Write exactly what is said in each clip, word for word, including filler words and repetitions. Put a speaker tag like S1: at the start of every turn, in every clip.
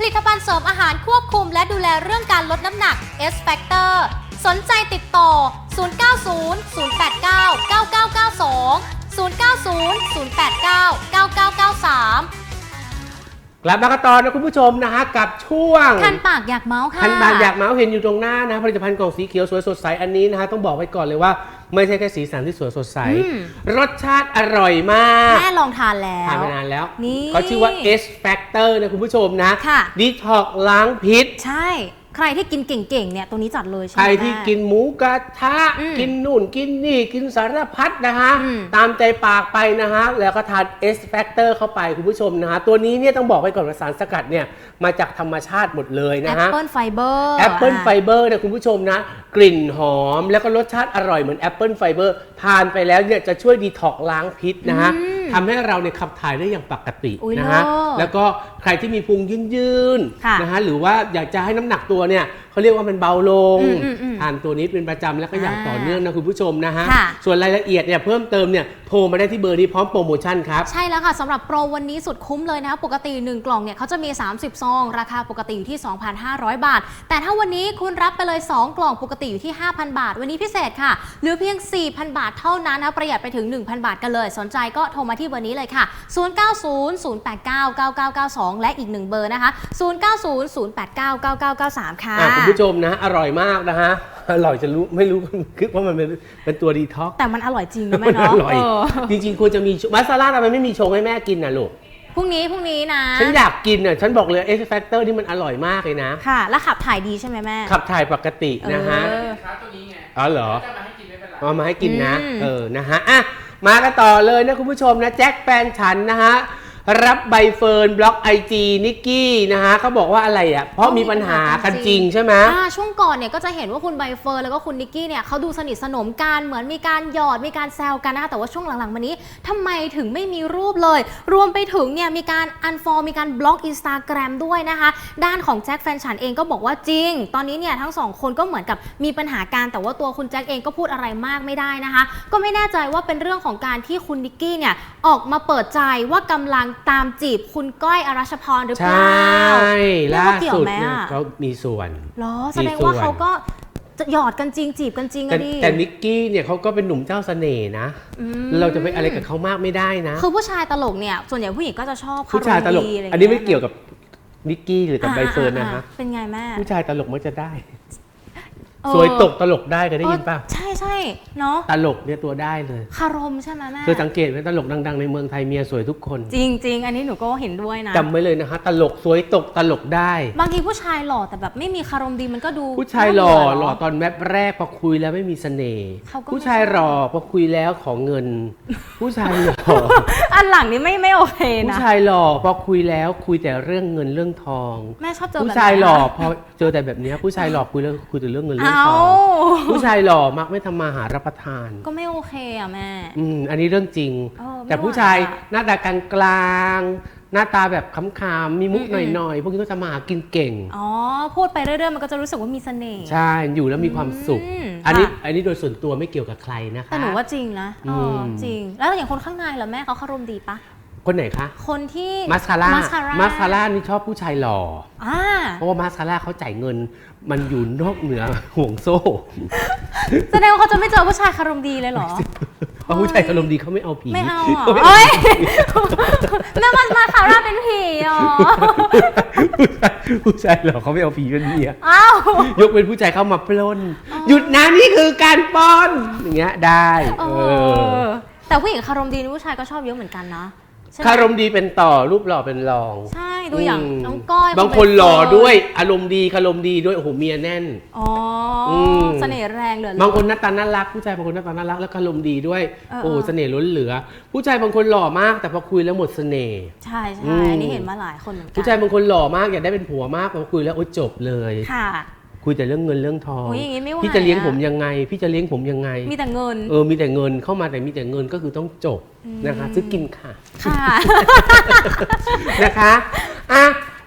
S1: ลิตภัณฑ์เสริมอาหารควบคุมและดูแลเรื่องการลดน้ำหนัก S Factor สนใจติดต่อ ศูนย์ เก้า ศูนย์ ศูนย์ แปด เก้า เก้า เก้า เก้า สอง ศูนย์ เก้า ศูนย์ ศูนย์ แปด เก้า เก้า เก้า เก้า สาม
S2: กลับมากันต่อนะคุณผู้ชมนะฮะกับช่วง
S1: คันปากอยากเมาส์ค่ะ
S2: คันปากอยากเมาส์เห็นอยู่ตรงหน้านะผลิตภัณฑ์กล่องสีเขียวสวยสดใสอันนี้นะฮะต้องบอกไว้ก่อนเลยว่าไม่ใช่แค่สีสันที่สวยสดใสรสชาติอร่อยมาก
S1: แม่ลองทานแล้ว
S2: ทานมานานแล้ว
S1: นี่
S2: เขาชื่อว่า S Factor นะคุณผู้ชมนะ
S1: ค่ะ
S2: ดีท็อกล้างพิษ
S1: ใช่ใครที่กินเก่งๆเนี่ยตัวนี้จัดเลยใช่ไหม
S2: ใครที่กินหมูกระทะ
S1: อืม
S2: กินนู่นกินนี่กินสารพัดนะฮะ
S1: อืม
S2: ตามใจปากไปนะฮะแล้วก็ทาน S Factor เข้าไปคุณผู้ชมนะฮะตัวนี้เนี่ยต้องบอกไว้ก่อนว่าสารสกัดเนี่ยมาจากธรรมชาติหมดเลยนะฮะ
S1: แอปเปิลไฟเบอร์
S2: แอปเปิลไฟเบอร์เนี่ยคุณผู้ชมนะกลิ่นหอมแล้วก็รสชาติอร่อยเหมือนแอปเปิลไฟเบอร์ทานไปแล้วเนี่ยจะช่วยดีท็อกล้างพิษนะฮะทำให้เราเนี่ยขับถ่ายได้อย่างปกติ
S1: อุ๊ย
S2: นะฮะ
S1: เลิศ
S2: แล้วก็ใครที่มีพุงยืน
S1: ค่ะ
S2: ๆนะฮะหรือว่าอยากจะให้น้ำหนักตัวเนี่ยเขาเรียกว่ามันเบาลง
S1: อืมอืมอืม
S2: ทานตัวนี้เป็นประจำแล้วก็อย่าง
S1: อ่า
S2: ต่อเนื่องนะคุณผู้ชมนะฮะ
S1: ค่ะ
S2: ส่วนรายละเอียดเนี่ยเพิ่มเติมเนี่ยโทรมาได้ที่เบอร์นี้พร้อมโปรโมชั่นครับ
S1: ใช่แล้วค่ะสำหรับโปรวันนี้สุดคุ้มเลยนะคะปกติหนึ่งกล่องเนี่ยเขาจะมีสามสิบซองราคาปกติอยู่ที่ สองพันห้าร้อย บาท แต่ถ้าวันนี้คุณรับไปเลยสองกล่องปกติอยู่ที่ ห้าพัน บาท วันนี้พิเศษค่ะเหลือเพียง สี่พัน บาทเท่านั้นนะประหยัดไปถึง หนึ่งพัน บาทกันเลยสนใจก็โทรมาที่เบอร์นี้เลยค่ะ ศูนย์ เก้า ศูนย์ ศูนย์ แปด เก้า เก้า เก้า เก้า สอง และอีกหนึ่งเบอร์นะคะ ศูนย์ เก้า ศูนย์ ศูนย์ แปด เก้า เก้า เก้า เก้า สาม ค่ะ
S2: อ่ะคุณผู้ชมนะอร่อยมากนะฮะอร่อยจะรู้ไม่รู้คิดว่ามันเป็นเป็นตัวดีท็อก
S1: แต่มันอร่อยจริงนะแม่
S2: มัน
S1: เนาะ
S2: อร่อย
S1: เออ
S2: จริงๆควรจะมีมัสซาร่าทำไมไม่มีชงให้แม่กินน่ะลูก
S1: พรุ่งนี้พรุ่งนี้นะ
S2: ฉันอยากกินน่ะฉันบอกเลย X Factor นี่มันอร่อยมากเลยนะ
S1: ค่ะ แล้วขับถ่ายดีใช่ไหมแม่
S2: ขับถ่ายปกตินะฮะ
S1: เออ
S3: ค้าตัวนี้ไง
S2: อ๋อเหรอ
S3: จะมาให้กินไม่เป็นไร
S2: เอามาให้กินนะ
S1: อืม
S2: เออนะฮะอ่ะมากันต่อเลยนะคุณผู้ชมนะแจ็คแฟนฉันนะฮะรับใบเฟิร์นบล็อกไอจีนิกกี้นะฮะเขาบอกว่าอะไรอ่ะเพราะมีปัญหากันจริงใช่ไหม
S1: อ่าช่วงก่อนเนี่ยก็จะเห็นว่าคุณใบเฟิร์นแล้วก็คุณนิกกี้เนี่ยเขาดูสนิทสนมกันเหมือนมีการหยอดมีการแซวกันนะคะแต่ว่าช่วงหลังๆมานี้ทำไมถึงไม่มีรูปเลย รวมไปถึงเนี่ยมีการอันฟอลมีการบล็อกอินสตาแกรมด้วยนะคะด้านของแจ็คแฟนฉันเองก็บอกว่าจริง ตอนนี้เนี่ยทั้งสองคนก็เหมือนกับมีปัญหาการแต่ว่าตัวคุณแจ็คเองก็พูดอะไรมากไม่ได้นะคะก็ไม่แน่ใจว่าเป็นเรื่องของการที่คุณนิกกี้เนี่ยออกมาเปิดใจว่ากำลังตามจีบคุณก้อยอรัชพรหรือเป
S2: ใช่
S1: ล่า
S2: ล่า
S1: เกี่ยว
S2: สุด
S1: ไหม
S2: เนี่ย
S1: อะ
S2: เขามีส่วน
S1: เหรอแสดงว่าเขาก็จะหยอดกันจริงจีบกันจริง
S2: แต่
S1: อะดิ
S2: แต่นิกกี้เนี่ยเขาก็เป็นหนุ่มเจ้าเสน่ห์นะ
S1: อืม
S2: เราจะไปอะไรกับเขามากไม่ได้นะ
S1: คือผู้ชายตลกเนี่ยส่วนใหญ่ผู้หญิงก็จะชอบ
S2: ผู้ชายตลก
S1: คารมดีะร
S2: อันนี้ไม่เกี่ยวกับนิกกี้หรือกับใบเฟิร์นนะ
S1: อ่า
S2: ฮะ
S1: ๆๆเป็นไงแม่
S2: ผู้ชายตลกมักจะได้
S1: เออ
S2: สวยตกตลกได้เคยได้ยินป่ะ
S1: เออใช่ใช่เนาะ
S2: ตลกเนี่ยตัวได้เลย
S1: คารมใช่ไหมแม่
S2: เธอสังเกตไหมตลกดังๆในเมืองไทยเมียสวยทุกคน
S1: จริงจริงๆ อันนี้หนูก็เห็นด้วยนะ
S2: จำไว้เลยนะฮะตลกสวยตกตลกได้
S1: บางทีผู้ชายหล่อแต่แบบไม่มีคารมดีมันก็ดู
S2: ผู้ชายหล่อ
S1: น่เบื่
S2: หล่อ
S1: เนะ
S2: ตอนแวบแรกพอคุยแล้วไม่มีเสน่ห์
S1: เขาก็ไม่
S2: ผู้ชายหล่อพอคุยแล้วขอเงิน ผู้ชายหล่อ
S1: อันหลังนี้ไม่ไม่โอเค
S2: ผู้
S1: นะ
S2: ชายหล่อพอคุยแล้วคุยแต่เรื่องเงินเรื่องทอง
S1: แม่ชอบเจอแบบ
S2: ผู้
S1: นี้
S2: ชายหล่อพอเจอแต่แบบเนี้ยผู้ชายหล่อคุยแล้วคุยแต่เรื่องเงินเรื่อง
S1: เอ้า
S2: ทองผู้ชายหล่อมักไม่ทำมาหารับประทาน
S1: ก็ไม่โอเคอ่ะแม่
S2: อืมอันนี้เรื่องจริง
S1: เออไม่
S2: แต่ผู้ชาย
S1: ไหวอะ
S2: หน้าตากลางกลางๆหน้าตาแบบขำๆมีมุก
S1: อืม
S2: หน่อยๆพวกนี้ก็จะมาหากินเก่ง
S1: อ๋อพูดไปเรื่อยๆมันก็จะรู้สึกว่ามีเสน่ห์
S2: ใช่อยู่แล้วมีความสุข
S1: อืม
S2: อันนี้
S1: ค่ะ
S2: อันนี้โดยส่วนตัวไม่เกี่ยวกับใครนะคะ
S1: แต่หนูว่าจริงนะเอออ
S2: ม
S1: จริง แล้วอย่างคนข้างในเหรอแม่เขาคารมดีปะ
S2: คนไหนคะ
S1: คนที่
S2: มาสคาร่า
S1: มาสคาร่า
S2: มาสคาร่านี่ชอบผู้ชายหล่อ
S1: อ่า
S2: เพราะว่ามาสคาร่าเขาจ่ายเงินมันอยู่นอกเหนือห่วงโซ่
S1: แสดงว่าเขาจะไม่เจอผู้ชายคารมดีเลยเหรอ
S2: เพราะผู้ชายอารมณ์ดีเขาไม่เอาผี
S1: ไม่เอา
S2: ข
S1: เหรอ
S2: ไม่
S1: เอ้ยแม่มันมาคาร่าเป็นผีเหรอ
S2: ผู้ชายผู้ชายหล่อเขาไม่เอาผีเป็นเมีย
S1: อ้าวย
S2: กเป็นผู้ชายเข้ามาปล้น หยุดนะนี่คือการปล้นอย่างเงี้ยได้
S1: เอ
S2: เออ
S1: อแต่ผู้หญิงคารมดีนี่ผู้ชายก็ชอบเยอะเหมือนกันนะใช่ไหม
S2: คารมดีเป็นต่อรูปหล่อเป็นรอง
S1: ใช่ดูอย่าง
S2: ม
S1: น้องก้อย
S2: บางคนหล่อด้วยอารมณ์ดีคารมดีด้วยโอ้โหเมียแน่น
S1: อ๋ออ
S2: ม
S1: เสน่ห์แรงเหลือล้
S2: บางคนหน้าตาน่ารักผู้ชายบางคนหน้าตาน่ารักแล้วคารมดีด้วย
S1: เออ
S2: โอ้
S1: เออ
S2: เสน่ห์ล้นเหลือ ผู้ชายบางคนหล่อมากแต่พอคุยแล้วหมดเสน่ห์
S1: ใช่
S2: อื
S1: ใช่
S2: ม
S1: อันนี้เห็นมาหลายคนเหมือนกั
S2: ผู้ชายบางคนหล่อมากอยากได้เป็นผัวมากพอคุยแล้วโอ้จบเลย
S1: ค่ะ
S2: คุยแต่เรื่องเงินเรื่องทอง
S1: โอ้ยอย่างงี้ไม่ไหว
S2: พี่จะเลี้ยง
S1: อะ
S2: ผมยังไง พี่จะเลี้ยงผมยังไง
S1: มีแต่เงิน
S2: เออมีแต่เงินเข้ามาแต่มีแต่เงินก็คือต้องจบนะคะซื้อกินค่ะ
S1: ค่ะ
S2: นะคะอ่ะ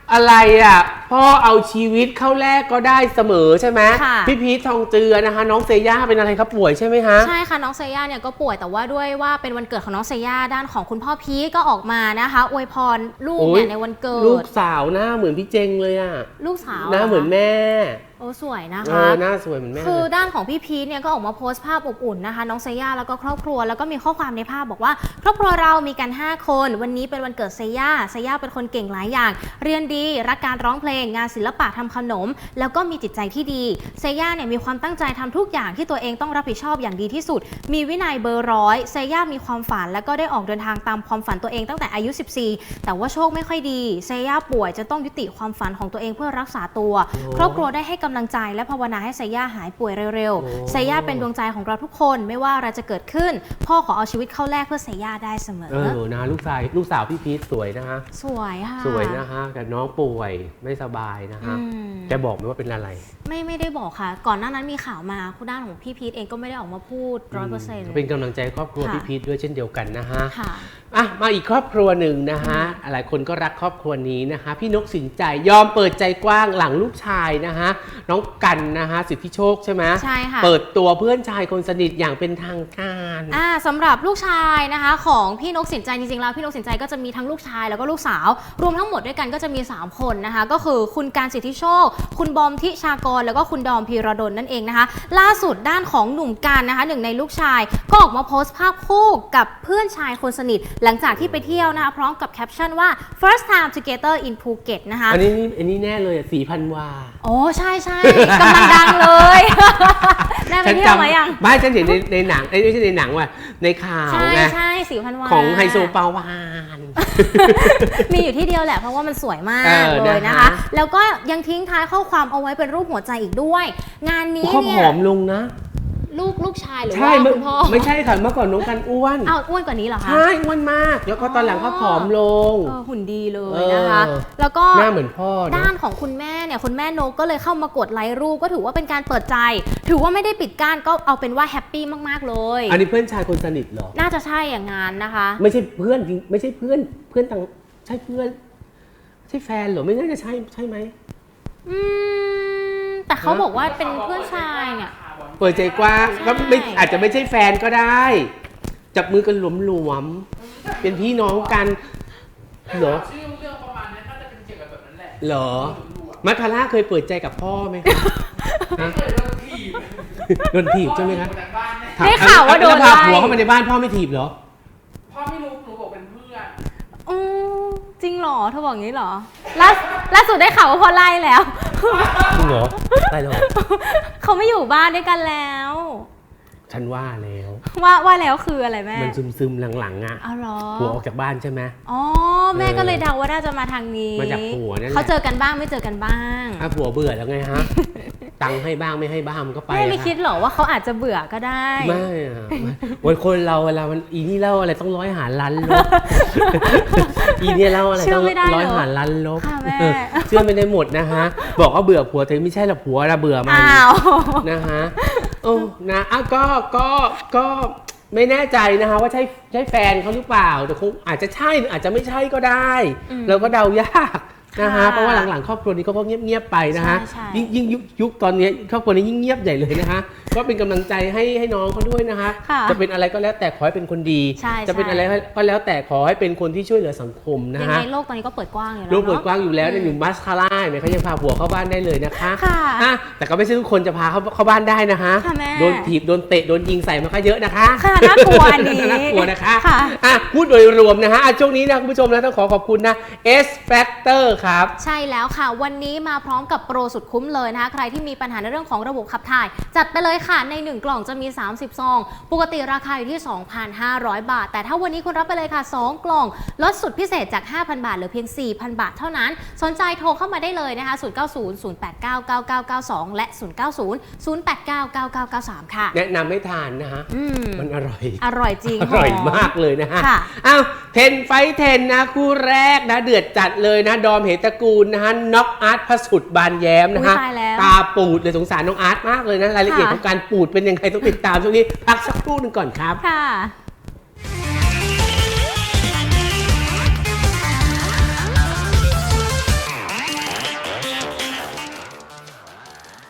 S2: อะไรอ่ะพ่อเอาชีวิตเข้าแลกก็ได้เสมอใช่ไหม
S1: ค่ะ
S2: พี่พีททองเจือนะคะน้องเซย่าเป็นอะไรครับป่วยใช่ไหมฮะ
S1: ใช่ค่ะน้องเซย่าเนี่ยก็ป่วยแต่ว่าด้วยว่าเป็นวันเกิดของน้องเซย่าด้านของคุณพ่อพีทก็ออกมานะคะอวยพรลูก
S2: โอ้
S1: เนี่ย ยในวันเกิด
S2: ลูกสาวหน้าเหมือนพี่เจงเลยอ่ะ
S1: ลูกสาว
S2: หน้าเหมือนแม่
S1: โอ้สวยนะ
S2: เอ
S1: คะ
S2: อหน้าสวยเหมือนแม่
S1: คือ
S2: เลย
S1: ด้านของพี่พีทเนี่ยก็ออกมาโพสต์ภาพอบอุ่นนะคะน้องเซย่าแล้วก็ครอบครัวแล้วก็มีข้อความในภาพบอกว่าครอบครัวเรามีกันห้าคนวันนี้เป็นวันเกิดเซย่าเซย่าเป็นคนเก่งหลายอย่าง เรียนดีรักการร้องเพลงงานศิลปะทำขนม แล้วก็มีจิตใจที่ดีเซย่าเนี่ยมีความตั้งใจทำทุกอย่างที่ตัวเองต้องรับผิดชอบอย่างดีที่สุด มีวินัยเบอร์ร้อยเซย่ามีความฝันแล้วก็ได้ออกเดินทางตามความฝันตัวเองตั้งแต่อายุสิบสี่แต่ว่าโชคไม่ค่อยดีเซย่าป่วยจะต้องยุติความฝันของตัวเองเพื่อรักษาตัว ครอบครัวได้ให้กำลังใจและภาวนาให้เซย่าหายป่วยเร็วๆเซย่าเป็นดวงใจของเราทุกคนไม่ว่าอะไรจะเกิดขึ้น พ่อขอเอาชีวิตเข้าแลกเพื่อเซย่าได้เสมอ
S2: เออนะลูกชายลูกสาวพี่พีทสวยนะฮะ
S1: สวยค่ะ
S2: สวยนะฮะแต่น้องป่วยไม่สบายนะฮะ
S1: อืม
S2: แกบอกไหมว่าเป็นอะไร
S1: ไม่ไม่ได้บอกค่ะ ก่อนหน้านั้นมีข่าวมาคุณด้านของพี่พีทเองก็ไม่ได้ออกมาพูดร้อยเปอร์เซ็นต์
S2: เป็นกำลังใจครอบครัว
S1: ค่ะ
S2: พี่พีทด้วยเช่นเดียวกันนะฮะ
S1: ค่ะ
S2: อ่ะมาอีกครอบครัวหนึ่งนะฮะหลายคนก็รักครอบครัวนี้นะคะ พี่นกสินใจยอมเปิดใจกว้างหลังลูกชายนะฮะน้องกันนะฮะสิทธิโชคใช่ไหม
S1: ใช่ค่ะ
S2: เปิดตัวเพื่อนชายคนสนิทอย่างเป็นทางการ
S1: อ่าสำหรับลูกชายนะคะของพี่นกสินใจจริงๆแล้วพี่นกสินใจก็จะมีทั้งลูกชายแล้วก็ลูกสาว รวมทั้งหมดด้วยกันก็จะมีสามคนนะคะก็คือคุณการสิทธิโชค คุณบอมทิชากรแล้วก็คุณดอมพีระดลนั่นเองนะคะล่าสุดด้านของหนุ่มกันนะคะหนึ่งในลูกชายก็ออกมาโพสต์ภาพคู่กับเพื่อนชายคนสนิทหลังจากที่ไปเที่ยวนะคะพร้อมกับแคปชั่นว่า first time together in Phuket นะคะ
S2: อันนี้นี่อันนี้แน่เลยสีพันวา
S1: โอ้ใช่ใช่กำลังดังเลย ได้ไปเที่ยวมายัง
S2: บ้านฉันเห็นในในหนังเอ้ยไม่ใช่ในหนังว่ะในข่าว
S1: ใช่
S2: ไง
S1: ใช่สีพันวา
S2: ของไฮโซปาวาน
S1: มีอยู่ที่เดียวแหละเพราะว่ามันสวยมาก
S2: เออ
S1: เลยนะ
S2: นะคะ คะ
S1: แล้วก็ยังทิ้งท้ายข้อความเอาไว้เป็นรูปหัวใจอีกด้วย งานนี้
S2: เขา
S1: เนี่
S2: ผ
S1: ย
S2: อมลงนะ
S1: ลูกลูกชายหรือ
S2: ใช่
S1: ว่า
S2: เมื่อ
S1: คุณพ่อ
S2: ไม่ใช่ค่ะเมื่อก่อนน้องกันอ้วน
S1: อ้าวอ้วนกว่านี้เหรอคะ
S2: ใช่อ้วนมาก แล้วก็ตอนหลังเขาผอมลง
S1: เออหุ่นดีเลย
S2: เออ
S1: นะคะ แล้วก็
S2: หน้าเหมือนพ่อนะ
S1: ด้านของคุณแม่เนี่ยคุณแม่นกก็เลยเข้ามากดไลค์รูปก็ถือว่าเป็นการเปิดใจ ถือว่าไม่ได้ปิดกั้นก็เอาเป็นว่าแฮปปี้มากๆเลย
S2: อันนี้เพื่อนชายคนสนิทเหรอ
S1: น่าจะใช่อย่างงานนะคะ
S2: ไม่ใช่เพื่อนจริงไม่ใช่เพื่อนเพื่อนต่างใช่เพื่อนใช่แฟนเหรอไม่น่าจะใช่ใช่ไหม
S1: อืมแต่เขาบอกว่าเป็นเพื่อนชายเนี่ย
S2: เปิดใจกว้าง
S1: ใช่
S2: ก็ไม่อาจจะไม่ใช่แฟนก็ได้ จับมือกันหลวมๆเป็นพี่น้องกันเหรอ
S3: ชื่อเรื่องประมาณนี้น่าจะเป็นเกี่ยวกับแบบนั้นแหละ
S2: เหรอมัคคาร่าเคยเปิดใจกับพ่อไหมคะฮะ
S3: เคยโดนถีบ
S2: โดนถีบใช่ไหมคะ
S3: พ่ออยู่บนบ้านเนี่ย
S1: ได้ข่าวว่าโดน
S2: แล้พา
S1: ไล่
S2: ผัวเข้ามาในบ้านพ่อไม่ถีบเหรอ
S3: พ่อไม่รู้หนูบอกเป็นเพื่อน
S1: อืมจริงเหรอเธอบอกงี้เหรอล่าล่าสุดได้ข่าวว่าพอไล่แล้ว
S2: จริงเหรอได้แล้ว
S1: เขาไม่อยู่บ้านด้วยกันแล้ว
S2: ฉันว่าแล้ว
S1: ว่าว่าแล้วคืออะไรแม่
S2: มันซึมๆหลังๆอ่ะ
S1: เอาเหรอ
S2: ผัวออกจากบ้านใช่ไหม
S1: อ๋อแม่ก็เลยเดาว่าน่าจะมาทางนี้
S2: มาจากผัวนั่นแหละ
S1: เขาเจอกันบ้างไม่เจอกันบ้าง
S2: ถ้าผัวเบื่อแล้วไงฮะ ตังค์ให้บ้างไม่ให้บ้างมันก็ไป
S1: แม่ไม่
S2: อะ
S1: คิดหรอว่าเขาอาจจะเบื่อก็ได้
S2: ไม่อะไม่วันคนเราเวลามันอีนี่เล่าอะไรต้องร้อยหารล้านลบ อีเนี่ยเล่าอะไร
S1: เชื่
S2: ต้
S1: อ
S2: อง
S1: ไม่ได้เหรอ
S2: ร้อยหารล้านลบ
S1: ค่ะแม่
S2: เออเชื่อไม่ได้หมดนะฮะ บอกว่าเบื่อผัวเธอไม่ใช่หรอกผัวเราเบื่อมัน
S1: อ้าว
S2: นะฮะโอ้นะอ่ะก็ก็ก็ไม่แน่ใจนะคะว่าใช่ใช่แฟนเขาหรือเปล่าแต่คงอาจจะใช่หรืออาจจะไม่ใช่ก็ได้
S1: อืม
S2: เราก็เดายากนะคะ
S1: ค่ะ
S2: เพราะว่าหลังๆครอบครัวนี้ก็เงียบๆไปนะคะ
S1: ใช่ใช่
S2: ยิ่งยิ่งยุคยุคตอนนี้ครอบครัวนี้ยิ่งเงียบใหญ่เลยนะคะก็เป็นกำลังใจให้ให้น้องเขาด้วยนะคะ
S1: ค่ะ
S2: จะเป็นอะไรก็แล้วแต่ขอให้เป็นคนดี
S1: ใช่
S2: จะเป็น
S1: ใช่
S2: อะไรก็แล้วแต่ขอให้เป็นคนที่ช่วยเหลือสังคมนะ
S1: ยัง
S2: คะ
S1: ไงโลกตอนนี้ก็เปิดกว้างอยู่แล้ว
S2: ลูกเปิด
S1: เนาะ
S2: กว้างอยู่แล้วในยอยู่มัสคาร่าเนี่ยเขายังพาผัวเข้าบ้านได้เลยนะคะ
S1: ค่ะ
S2: อ่ะแต่ก็ไม่ใช่ทุกคนจะพาเข้าเข้าบ้านได้นะคะ
S1: ค่ะแม่
S2: โดนถีบโดนเตะโดนยิงใส่มาก็เยอะนะคะ
S1: ค่ะน่ากลัวอันนี้
S2: น่ากลัวนะคะ
S1: ค่ะ
S2: อ่ะพูดโดยรวมนะฮะอ่ะช่วงนี้นะคุณผู้ชมนะต้องขอขอบคุณนะ S Factor ครับ
S1: ใช่แล้วค่ะ วันนี้มาพร้อมกับโปรสุดคุ้มเลยนะคะ ใครที่มีปัญหาในเรื่องของระบบขับถ่าย จัดไปเลยค่ะในหนึ่งกล่องจะมีสามสิบซอง ปกติราคาอยู่ที่ สองพันห้าร้อย บาท แต่ถ้าวันนี้คุณรับไปเลยค่ะสองกล่องลดสุดพิเศษจาก ห้าพัน บาทเหลือเพียง สี่พัน บาทเท่านั้นสนใจโทรเข้ามาได้เลยนะคะศูนย์ เก้า ศูนย์ ศูนย์ แปด เก้า เก้า เก้า เก้า สองและศูนย์ เก้า ศูนย์ ศูนย์ แปด เก้า เก้า เก้า เก้า สามค่ะ
S2: แนะนำให้ทานนะฮะ
S1: อืม
S2: มันอร่อย
S1: อร่อยจริง
S2: อร่อย
S1: ห
S2: มากเลยนะฮะ
S1: ค่ะ
S2: อ้าวเทนไฟเทนนะคู่แรกนะเดือดจัดเลยนะ ดอมเหตระกูลนะฮะน็อกอาร์ตพระสุดบานแย้มนะฮะ
S1: อุ๊ยตายแล้ว
S2: ตาปูดเลยสงสารน้องอาร์ตมากเลยนะ รายละเอียด
S1: ค่ะ
S2: ของการปูดเป็นยังไงต้องติดตามช่วงนี้ พักสักครู่หนึ่งก่อนครับ
S1: ค่ะ